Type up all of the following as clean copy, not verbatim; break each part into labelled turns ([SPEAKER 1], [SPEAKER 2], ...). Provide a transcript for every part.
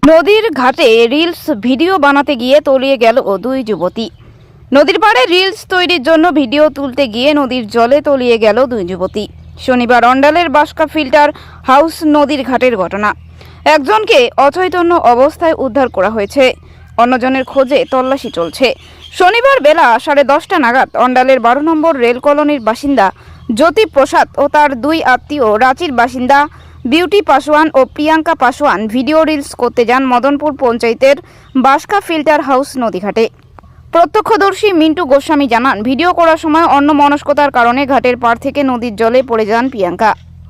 [SPEAKER 1] নদীর ঘাটে reels video বানাতে গিয়ে তলিয়ে গেল দুই যুবতী। নদীর পাড়ে রিলস তৈরির জন্য ভিডিও তুলতে গিয়ে নদীর জলে তলিয়ে গেল দুই যুবতী। শনিবার অন্ডালের বাসকা ফিল্টার হাউস নদীর ঘাটের ঘটনা। একজনকে অচৈতন্য অবস্থায় উদ্ধার করা হয়েছে, অন্যজনের খোঁজে তল্লাশি চলছে। শনিবার বেলা 10:30 নাগাদ অন্ডালের 12 নম্বর রেল কলোনির বাসিন্দা জ্যোতি প্রসাদ ও তার দুই আত্মীয় রাঁচির বাসিন্দা বিউটি পাসওয়ান ও প্রিয়াঙ্কা পাসওয়ান ভিডিও রিলস করতে যান মদনপুর পঞ্চায়েতের বাসকা ফিল্টার হাউস নদীঘাটে। প্রত্যক্ষদর্শী মিন্টু গোস্বামী জানান, ভিডিও করার সময় অন্যমনস্কতার কারণে ঘাটের পাড় থেকে নদীর জলে পড়ে যান প্রিয়াঙ্কা।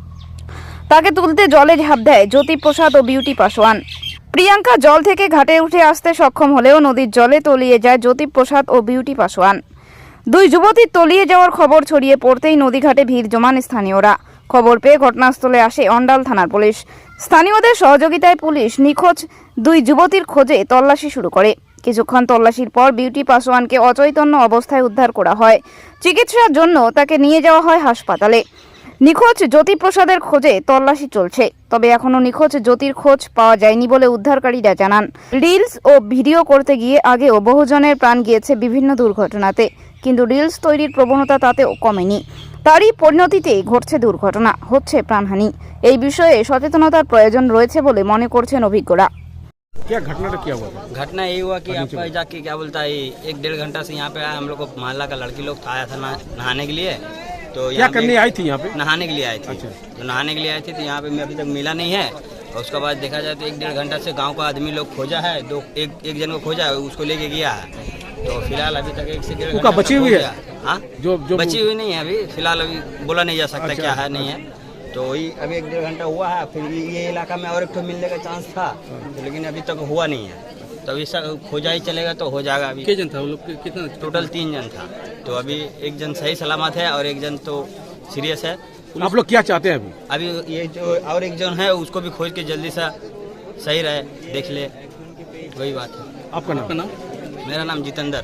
[SPEAKER 1] তাকে তুলতে জলে ঝাঁপ দেয় জ্যোতি প্রসাদ ও বিউটি পাসওয়ান। প্রিয়াঙ্কা জল থেকে ঘাটে উঠে আসতে সক্ষম হলেও নদীর জলে তলিয়ে যায় জ্যোতি প্রসাদ ও বিউটি পাসওয়ান। দুই যুবতীর তলিয়ে যাওয়ার খবর ছড়িয়ে পড়তেই নদীঘাটে ভিড় জমান স্থানীয়রা। খবর পেয়ে ঘটনাস্থলে আসে অন্ডাল থানার পুলিশ। স্থানীয়দের সহযোগিতায় পুলিশ নিখোঁজ দুই যুবতীর খোঁজে তল্লাশি শুরু করে। কিছুক্ষণ তল্লাশির পর বিউটি পাসওয়ানকে অচৈতন্য অবস্থায় উদ্ধার করা হয়। চিকিৎসার জন্য তাকে নিয়ে যাওয়া হয় হাসপাতালে। নিখোঁজ জ্যোতি প্রসাদের খোঁজে তল্লাশি চলছে, তবে এখনও নিখোঁজ জ্যোতির খোঁজ পাওয়া যায়নি বলে উদ্ধারকারীরা জানান। রিলস ও ভিডিও করতে গিয়ে আগেও বহুজনের প্রাণ গিয়েছে বিভিন্ন দুর্ঘটনাতে, কিন্তু রিলস তৈরির প্রবণতা তাতেও কমেনি। তারই পরিণতিতে ঘটছে দুর্ঘটনা, হচ্ছে প্রাণহানি। এই বিষয়ে সচেতনতার প্রয়োজন রয়েছে বলে মনে করছেন অভিজ্ঞরা।
[SPEAKER 2] क्या घटना क्या हुआ?
[SPEAKER 3] घटना यही हुआ कि आपका जाके क्या बोलता है 1-1.5 घंटा से यहाँ पे आया, हम लोग को मोहल्ला का लड़की लोग आया था नहाने के लिए। तो
[SPEAKER 2] क्या करने आई थी यहाँ पे?
[SPEAKER 3] नहाने के लिए आई थी।
[SPEAKER 2] अच्छा।
[SPEAKER 3] तो नहाने के लिए आई थी तो यहाँ पे मैं अभी तक मिला नहीं है। और उसके बाद देखा जाए तो 1-1.5 घंटा से गांव का आदमी लोग खोजा है, एक जन को खोजा है, उसको लेके गया है। तो फिलहाल अभी तक 1 से 1.5 घंटा
[SPEAKER 2] बची हुई है?
[SPEAKER 3] हाँ,
[SPEAKER 2] जो
[SPEAKER 3] बची हुई नहीं है अभी फिलहाल, अभी बोला नहीं जा सकता
[SPEAKER 2] अच्छा,
[SPEAKER 3] क्या है नहीं है। तो वही अभी 1-1.5 घंटा हुआ है। फिर ये इलाका में और एक ठो मिलने का चांस था, तो लेकिन अभी तक हुआ नहीं है। तो अभी सब खोजा ही चलेगा तो हो जाएगा। अभी
[SPEAKER 2] कितने जन था वो लोग? कितना
[SPEAKER 3] टोटल 3 जन था। तो अभी एक जन सही सलामत है और एक जन तो सीरियस है।
[SPEAKER 2] आप लोग क्या चाहते हैं अभी?
[SPEAKER 3] अभी ये जो और एक जन है उसको भी खोज के जल्दी से सही रहे, देख ले, वही बात है।
[SPEAKER 2] आपका नाम?
[SPEAKER 3] मेरा नाम जितेंद्र।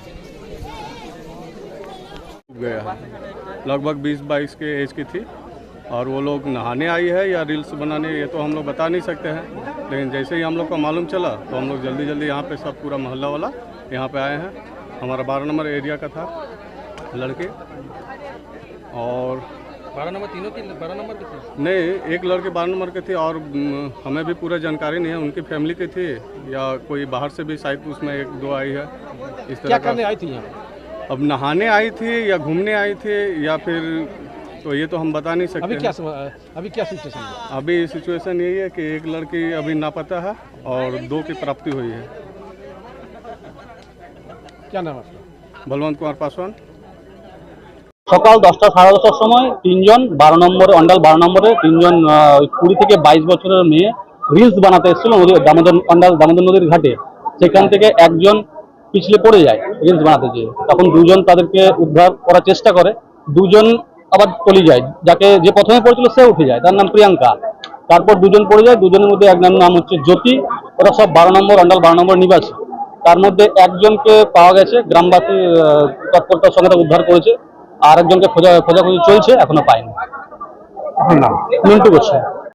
[SPEAKER 4] गया है, लगभग 20-22 के एज की थी और वो लोग नहाने आई है या रील्स बनाने, ये तो हम लोग बता नहीं सकते हैं। लेकिन जैसे ही हम लोग को मालूम चला तो हम लोग जल्दी यहाँ पे सब पूरा मोहल्ला वाला यहाँ पे आए हैं। हमारा 12 नंबर एरिया का था लड़के, और
[SPEAKER 2] 12 नंबर तीनों की 12 नंबर की थी?
[SPEAKER 4] नहीं, एक लड़के 12 नंबर के थे और हमें भी पूरा जानकारी नहीं है उनकी फैमिली की थी या कोई बाहर से भी शायद उसमें 1-2 आई है इस तरह।
[SPEAKER 2] क्या करने आई थी यहाँ?
[SPEAKER 4] अब नहाने आई थी या घूमने आई थी या फिर, तो ये तो हम बता नहीं सकते।
[SPEAKER 2] अभी क्या सिचुएशन है?
[SPEAKER 4] अभी सिचुएशन यही है कि एक लड़की अभी लापता है और 2 की प्राप्ति हुई है।
[SPEAKER 2] क्या नाम है?
[SPEAKER 4] बलवंत कुमार पासवान।
[SPEAKER 5] সকাল 10টা সাড়ে 10টার সময় 3 জন 12 নম্বরে অন্ডাল 12 নম্বরে 3 জন 20 থেকে 22 বছরের মেয়ে রিলস বানাতে এসেছিল অন্ডাল দামোদর নদীর ঘাটে। সেখান থেকে একজন পিছলে পড়ে যায় রিলস বানাতে গিয়ে। তখন দুজন তাদেরকে উদ্ধার করার চেষ্টা করে, দুজন আবার তলিয়ে যায়। যে প্রথমে পড়েছিল সে উঠে যায়, তার নাম প্রিয়াঙ্কা। তারপর দুজন পড়ে যায়, দুজনের মধ্যে এক নাম হচ্ছে জ্যোতি। ওরা সব 12 নম্বর অন্ডাল 12 নম্বর নিবাসী। তার মধ্যে একজনকে পাওয়া গেছে, গ্রামবাসী তৎপরতার সঙ্গে উদ্ধার করেছে। আর একজনকে খোঁজাখুঁজি চলছে, এখনো পায়নি।
[SPEAKER 2] আপনার নাম?
[SPEAKER 5] মিন্টু গোস্বামী।